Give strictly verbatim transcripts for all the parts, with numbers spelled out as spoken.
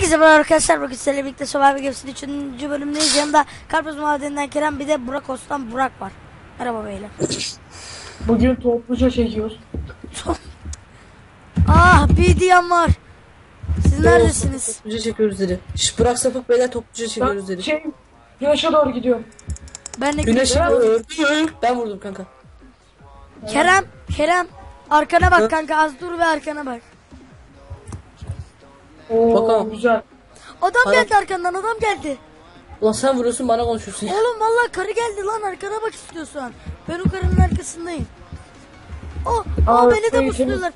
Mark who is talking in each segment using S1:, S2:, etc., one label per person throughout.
S1: Hepinize merhaba arkadaşlar. Bugün sizlerle birlikte Survivor Games'in üçüncü bölümündeyiz. Yanımda Karpuz Maden'den Kerem, bir de Burak Osman Burak var. Merhaba beyler.
S2: Bugün topluca çekiyoruz.
S1: Ah, bir diyen var. Siz neredesiniz?
S3: Topluca çekiyoruz dedi. Şş, Burak sapık beyler topluca çekiyoruz
S2: Ben
S3: dedi.
S2: şey, güneşe doğru gidiyorum.
S1: Ben de
S3: Güneş
S1: gidiyorum.
S3: ben vurdum kanka.
S1: Kerem, Kerem arkana bak kanka, az dur ve arkana bak.
S2: Oo,
S3: Bakalım.
S2: güzel.
S1: Adam
S3: Adam-
S1: geldi arkandan, adam geldi.
S3: Ulan sen vuruyorsun bana konuşuyorsun ya.
S1: Oğlum vallahi karı geldi lan, arkana bak istiyorsan. Ben o karının arkasındayım. Oh, oh
S2: Aa,
S1: beni de
S2: şey,
S1: busluyorlar.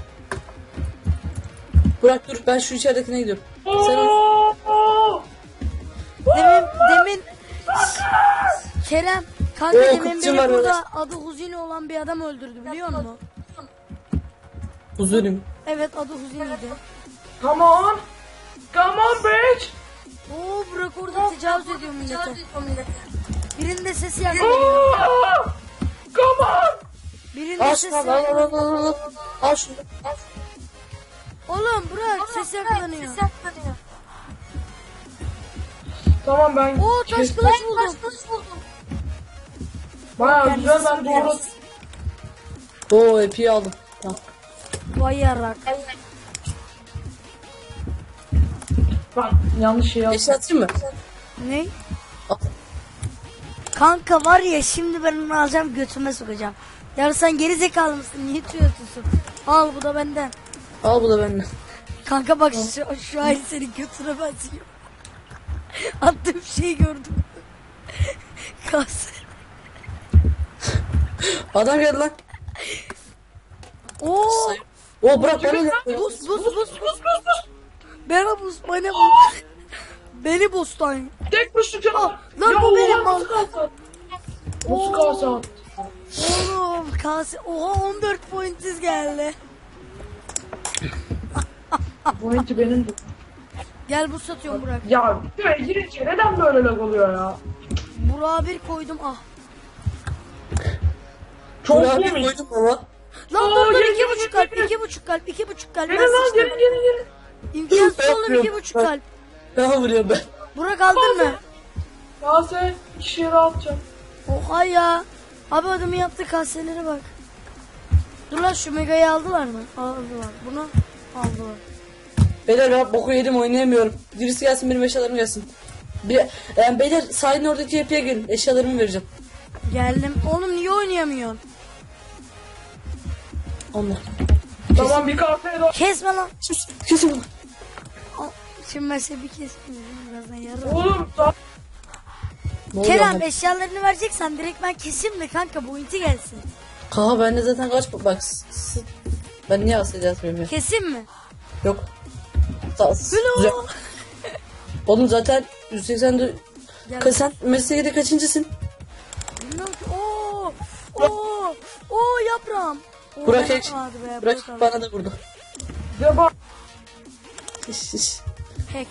S3: Burak dur ben şu içeridekine gidiyorum. Sen onu...
S2: Oo!
S1: Demin, demin Kerem kanka
S3: Oo,
S1: demin
S3: kıpçım
S1: beni
S3: var
S1: burada adı Huzini olan bir adam öldürdü, biliyor musun?
S3: Huzurum.
S1: Evet, adı Huzini'ydi.
S2: Come on. Come on bitch.
S1: Oo, Burak orada tecavüz ediyor millete. Birinde sesi yakalanıyor.
S2: Oo! Come on.
S1: Birinde
S3: Al
S1: sesi
S3: şunu al al al
S1: yakalanıyor.
S3: al al. Al şunu.
S1: Oğlum Burak ses yakalanıyor.
S2: Tamam ben.
S1: Oo, taş
S2: kestim.
S1: kılıç buldum.
S2: Bayağı
S1: Yani
S2: güzel, ben
S1: siz
S2: doğru.
S1: bilirsiniz.
S3: Oo epiyi aldım. Tamam.
S1: Vay yarak.
S2: Bak yanlış şey yaptım.
S3: Eşya atayım mı?
S1: Ne?
S3: Al.
S1: Kanka var ya, şimdi ben onu alacağım götüme sokacağım. Ya sen geri zekalı mısın? Niye tüyatıyorsun? Al, bu da benden.
S3: Al bu da benden.
S1: Kanka bak, şu, şu an senin götüne benziyor. Attığım şeyi gördüm. Kas.
S3: Adam geldi lan.
S1: Oo,
S3: Oo Burak bana ne?
S1: buz buz buz buz buz. Bana buz, bana buz. Beni bostan.
S2: Tek düştük ya.
S1: Aa, lan
S2: Ya
S1: bu benim
S2: oğlum,
S1: mal.
S2: nasıl kalsın? Nasıl kalsın?
S1: Oğlum kase. Oha, on dört pointsiz geldi.
S2: Bu enti benim.
S1: Gel, buz satıyorum Burak.
S2: Ya buraya girince neden böyle lag oluyor ya?
S1: Burak'a bir koydum, ah.
S2: Çok
S3: Burak bir
S2: komik.
S3: koydum baba.
S1: Lan
S2: Aa,
S1: dur dur,
S2: gelin,
S1: iki
S2: gelin,
S1: buçuk
S2: gelin,
S1: kalp,
S2: gelin.
S1: iki buçuk kalp, iki buçuk kalp.
S2: Gelin
S1: Ben
S2: lan,
S1: sıçtım.
S2: gelin gelin gelin.
S1: İmkansız
S3: Ben
S1: oğlum, iki
S3: yapıyorum.
S1: buçuk
S3: Ben-
S1: kalp.
S3: Ben vuruyorum ben.
S1: Burak aldın mı?
S2: Kase kişiye rahatacağım.
S1: Oha ya. Abi adamı yaptı, kaselere bak. Dur lan, şu megayı aldılar mı? Aldılar. Bunu aldılar.
S3: Beyler ben boku yedim oynayamıyorum. Birisi gelsin benim eşyalarım gelsin. Bir, yani beyler sahilin oradaki yapıya gelin. Eşyalarımı vereceğim.
S1: Geldim. Oğlum niye oynayamıyorsun?
S3: Allah.
S2: Tamam bir kafeye doğru.
S1: Kesme lan.
S3: Sus. Kesin bunu.
S1: Al. Şimdi ben seni bir kesmeyeceğim. Birazdan yarın.
S2: Oğlum da
S3: Ne oluyor
S1: Kerem,
S3: lan?
S1: eşyalarını vereceksen direkt ben keseyim de kanka, bu inti gelsin.
S3: Kaha bende zaten kaç bak. s- s- Ben niye asıl yazmıyorum ya?
S1: Keseyim mi?
S3: Yok. Sa- s- güzel.
S1: Hılo.
S3: Oğlum zaten yüz seksen dört.
S1: Gel.
S3: Ka sen meslekte kaçıncısın?
S1: Bilmiyorum ki. Oo. Oo. Oo, yaprağım. Oo,
S3: Burak
S1: ben-
S3: ek.
S1: Hadi be,
S3: Bırak
S1: Burak
S3: bana da vurdu.
S2: de bak.
S3: İş iş.
S1: Hack.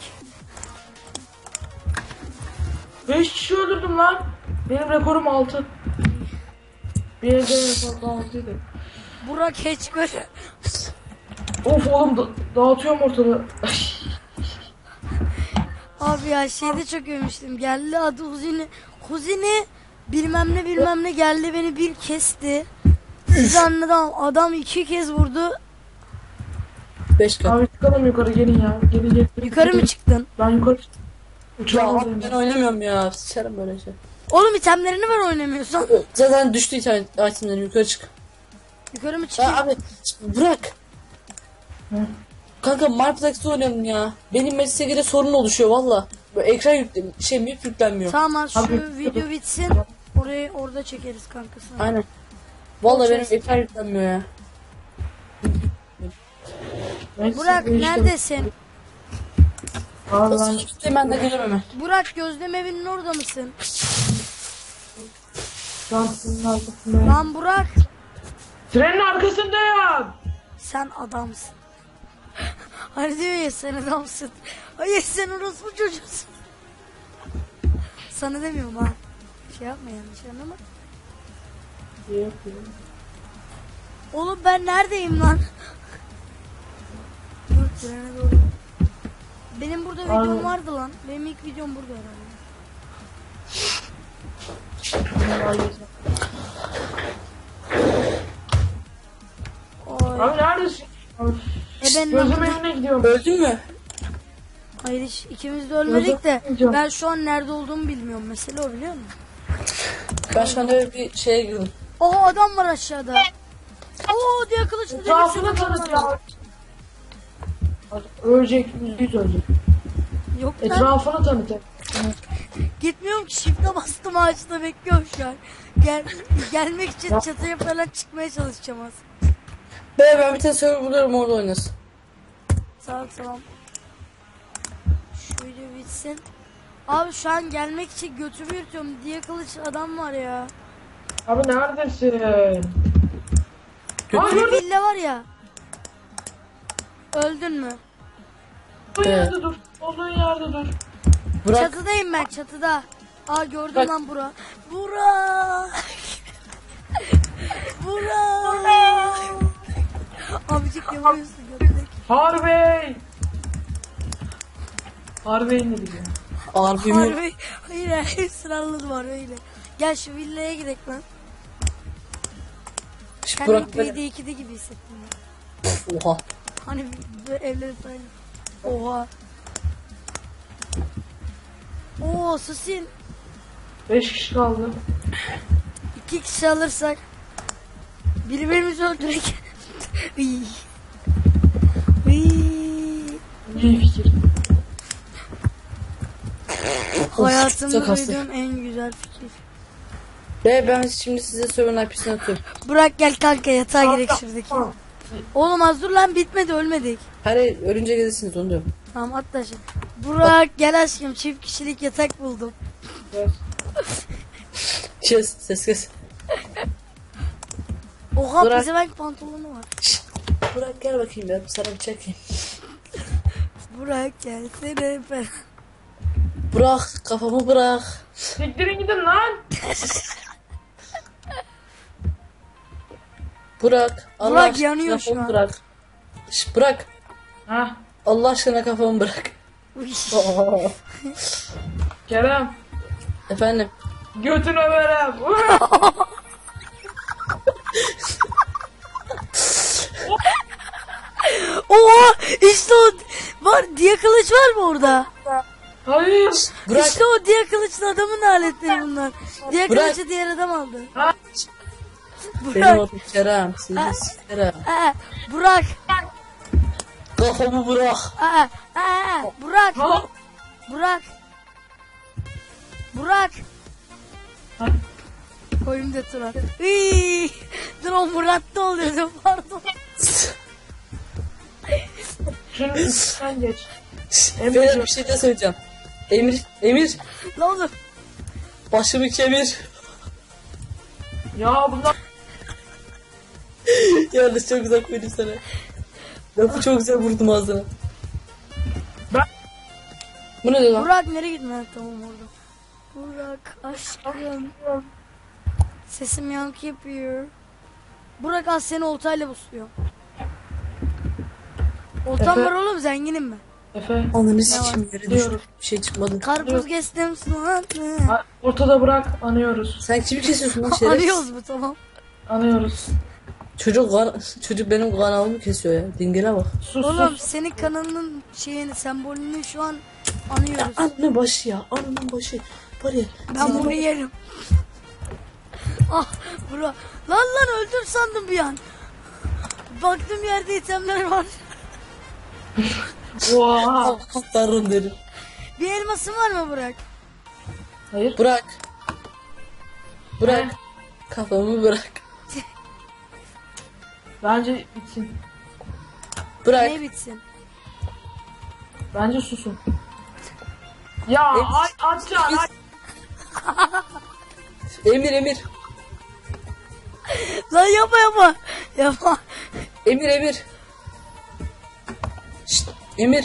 S2: beş kişi öldürdüm lan. Benim rekorum altı. Bir evde rekor altıydı.
S1: Burak hiç gör.
S2: Of oğlum da dağıtıyorum ortalığı.
S1: Abi ya, şeyde çok övmüştüm. Geldi adı Huzini. Huzini bilmem ne bilmem ne geldi, beni bir kesti. Siz anladım. Adam iki kez vurdu.
S3: Beş kat.
S2: Abi çıkalım yukarı, gelin ya. Gelin gelin.
S1: Yukarı mı çıktın?
S2: Ben yukarı
S3: Ya
S2: uçağım
S3: abi ben oynamıyorum ya. Sıçarım böyle şey.
S1: Oğlum itemlerini ver, oynamıyorsan.
S3: Zaten düştü item- itemlerim yukarı çık.
S1: Yukarı mı
S3: Ya
S1: çıkayım?
S3: abi bırak.
S2: Hı.
S3: Kanka Marplex'te oynuyorum ya. Benim meslekte sorun oluşuyor valla. Böyle ekran yükle şey mi yüklenmiyor.
S1: Tamam, şu
S2: Abi-
S1: video bitsin. Orayı orada çekeriz kankası.
S3: Aynen. Valla benim
S1: Okey.
S3: ekran yüklenmiyor ya.
S2: Neyse,
S1: Burak
S2: değiştim.
S1: neredesin?
S2: Abi ben
S3: Nasıl gittim ben de gelemem.
S1: Burak, gözlem evinin orada mısın?
S2: şu an senin arkasındayım.
S1: Lan Burak,
S2: Trenin arkasındayım.
S1: sen adamsın. Hani diyor ya, sen adamsın. Hayır, sen orospu çocuğusun. Sana demiyorum ha. Şey yapma, yanlış anlama.
S2: Yapıyorum.
S1: Oğlum ben neredeyim lan? Dur, trene doğru. Benim burada
S2: Aynen.
S1: videom vardı lan. Benim ilk videom burada herhalde. Oy.
S2: Abi neredesin? Abi,
S1: E ben
S2: gözüm
S1: burada-
S2: evine gidiyorum.
S3: Öldün mü?
S1: Hayır hiç ikimiz de ölmedik de
S2: Gözüm-
S1: ben şu an nerede olduğumu bilmiyorum. Mesele o, biliyor musun?
S3: Ben şu an öyle bir şeye girdim.
S1: Oha adam var aşağıda. Oo diye kılıçlı
S2: Etrafını
S1: demirsin
S2: tanıt
S1: adam var.
S2: ya. Ölecek, yüzde yüz ölecek.
S1: Yok lan.
S2: Etrafını tanıt.
S1: Gitmiyorum ki, shift'e bastım, ağaçta bekliyorum şu an. Gel, gelmek için çatıya falan çıkmaya çalışacağım az.
S3: Be ben bir tane server buluyorum, orada oynasın.
S1: Sağ ol, tamam. Şöyle bitsin. Abi şu an gelmek için götümü yırtıyorum. Diye kılıç adam var ya.
S2: Abi neredesin?
S3: Götür-
S2: Abi
S1: Bir
S2: orada
S1: villa var ya. Öldün mü?
S2: olduğun yerde dur. Olduğun yerde dur.
S3: Bırak.
S1: Çatıdayım ben, çatıda. Aa gördüm
S3: Bak.
S1: lan bura. Bura. Bura. Abicik yapıyorsun gördük.
S2: Harvey! Harvey ne diyor?
S3: Harbi mi?
S1: Harbi. Hayır hayır, sıralı var öyle. Gel şu villaya gidelim lan.
S3: Şş,
S1: Kendimi
S3: Burak beni.
S1: P D ikide gibi hissettim ya.
S3: Oha.
S1: Hani böyle evleri falan. Oha. Oo Susin.
S2: Beş kişi kaldı.
S1: İki kişi alırsak birbirimizi öldürek. Iy. Iy.
S2: İyi fikir.
S3: çok
S1: Hayatımda
S3: hasta.
S1: duyduğum en güzel fikir.
S3: Be ben şimdi size server'ın I P'sini atıyorum.
S1: Burak gel kanka, yatağa girek şuradaki.
S2: Tamam.
S1: Oğlum az dur lan, bitmedi, ölmedik.
S3: Hayır, ölünce gelirsiniz onu diyorum.
S1: Tamam at da şimdi. Burak gel aşkım, çift kişilik yatak buldum.
S2: Yes.
S3: Kes, ses kes.
S1: Oha
S3: Burak.
S1: pezevenk pantolonu var.
S3: Şşt. Burak gel bakayım ya, sana bir çekeyim.
S1: Burak gelsene ben.
S3: Bırak, kafamı bırak.
S2: Siktirin gidin lan.
S3: Bırak. Allah
S1: Burak
S3: aşkına
S1: yanıyor şu
S3: kafamı
S1: an.
S3: bırak. Şşt, bırak.
S2: Heh.
S3: Allah aşkına kafamı bırak.
S1: Uy.
S2: Kerem.
S3: Efendim.
S2: Götünü verem.
S1: Oha işte o var, diye kılıç var mı orada?
S2: Hayır.
S3: Bırak.
S1: İşte o diye kılıçlı adamın aletleri bunlar. Diye
S3: Bırak.
S1: kılıcı diğer adam aldı.
S2: Ha.
S3: Benim
S1: Burak.
S3: adım Kerem. Sizi sikerim.
S1: Aa, Burak.
S3: Kafamı bırak.
S1: Aa, aa, Burak.
S2: Ha.
S1: Burak. Burak.
S2: Ha.
S1: Koyum da Turan. Iiii. Dur o Murat'ta oluyordu, pardon.
S2: Şimdi sen geç.
S3: Beyler bir şey de söyleyeceğim. Emir, Emir.
S1: Lan oğlum.
S3: Başımı kemir.
S2: Ya bunlar
S3: Yalnız çok güzel koydum sana. Lafı çok güzel vurdum ağzına.
S2: Ben-
S3: Bu ne lan?
S1: Burak nereye gittin? Ha, tamam orada. Burak aşkım. Sesim yankı yapıyor. Burak az seni oltayla busluyor. Oltam
S2: Efe-
S1: var oğlum, zenginim ben.
S2: Efe.
S3: Ananı sikeyim, yere düştü.
S2: Diyorum.
S3: Bir şey çıkmadı.
S1: Karpuz kestim sulandı.
S2: Ha, ortada bırak, anıyoruz.
S3: Sen kimi kesiyorsun lan şerefsiz?
S1: Arıyoruz mu, tamam.
S2: Anıyoruz.
S3: Çocuk kan, çocuk benim kanalımı kesiyor ya. Dingile bak.
S2: Sus
S1: Oğlum
S2: sus.
S1: senin kanalının şeyini, sembolünü şu an anıyoruz.
S3: Ananın başı ya. Ananın başı. Var ya.
S1: Ben bunu yerim. Ah Burak. Lan lan öldüm sandım bir an. Baktım yerde itemler var.
S2: Oha.
S3: Tanrım derim.
S1: Bir elmasın var mı Burak?
S2: Hayır.
S3: Bırak. Bırak.
S2: He.
S3: Kafamı bırak.
S2: Bence bitsin.
S3: Bırak.
S1: Ne bitsin?
S2: Bence susun. Ya
S3: Evet.
S2: ay Atcan ay.
S3: Emir Emir.
S1: Lan yapma yapma. Yapma.
S3: Emir Emir. Şşt, Emir.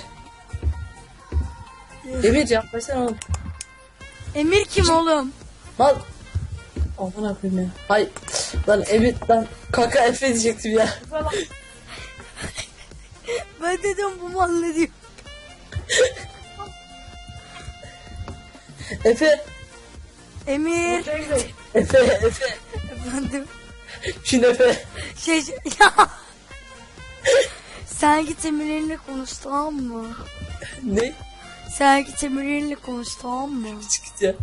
S3: Emir yapmasana oğlum.
S1: Emir kim oğlum?
S3: Mal. Aman akıyım ya. Hay. Lan Emir lan. Kaka Efe diyecektim ya.
S1: Ben dedim bu mal ne diyor?
S3: Efe.
S1: Emir.
S2: Ortaya gidelim.
S3: Efe. Efe.
S1: Efendim.
S3: Şimdi Efe.
S1: Şey şey- ya. Sen git Emir'inle konuş, tamam mı?
S3: Ne?
S1: Sen git Emir'inle konuş, tamam mı?
S3: Çık ya.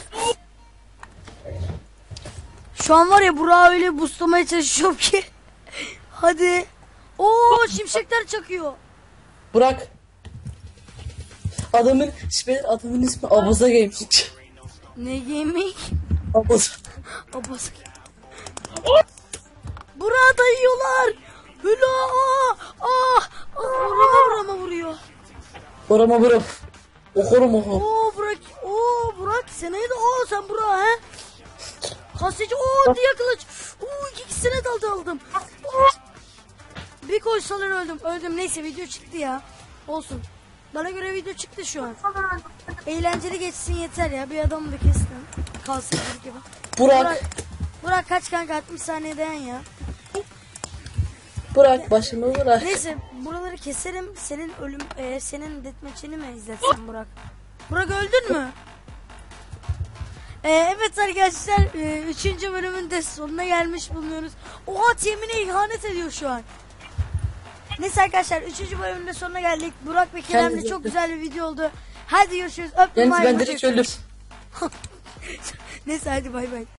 S1: Şu an var ya Burak'ı öyle boostlamaya çalışıyorum ki. Hadi. Oo, şimşekler çakıyor.
S3: Burak. Adamın, şüpheli adamın ismi Abaza Games.
S1: Ne gaming?
S3: Abaza.
S1: Abası. Burak'ı dayıyorlar. Hüla. Ah. Ah. Vurama vurama vuruyor.
S3: Orama Burak. Okurum oku.
S1: Oo Burak. Oo Burak. Sen neydi? Oo sen Burak he? Kasıcı. Oo diye kılıç. Oo iki ikisine daldı aldım. Bir koysalar öldüm. Öldüm. Neyse video çıktı ya. Olsun. Bana göre video çıktı şu an. Eğlenceli geçsin yeter ya. Bir adamı da kestim. Kalsın bir gibi.
S3: Burak.
S1: Burak, Burak kaç kanka altmış saniye dayan ya.
S3: Burak başımı bırak.
S1: Neyse buraları keserim. Senin ölüm e, senin deathmatch'ini mi izletsin Burak? Burak öldün mü? E, evet arkadaşlar e, üçüncü bölümün de sonuna gelmiş bulunuyoruz. Oha temine ihanet ediyor şu an. Neyse arkadaşlar üçüncü bölümün de sonuna geldik. Burak ve Kerem'le
S3: Kendinize-
S1: çok güzel bir video oldu. Hadi görüşürüz. Öptüm.
S3: Yalnız
S1: bay
S3: ben
S1: bay.
S3: direkt öldüm.
S1: Neyse hadi bay bay.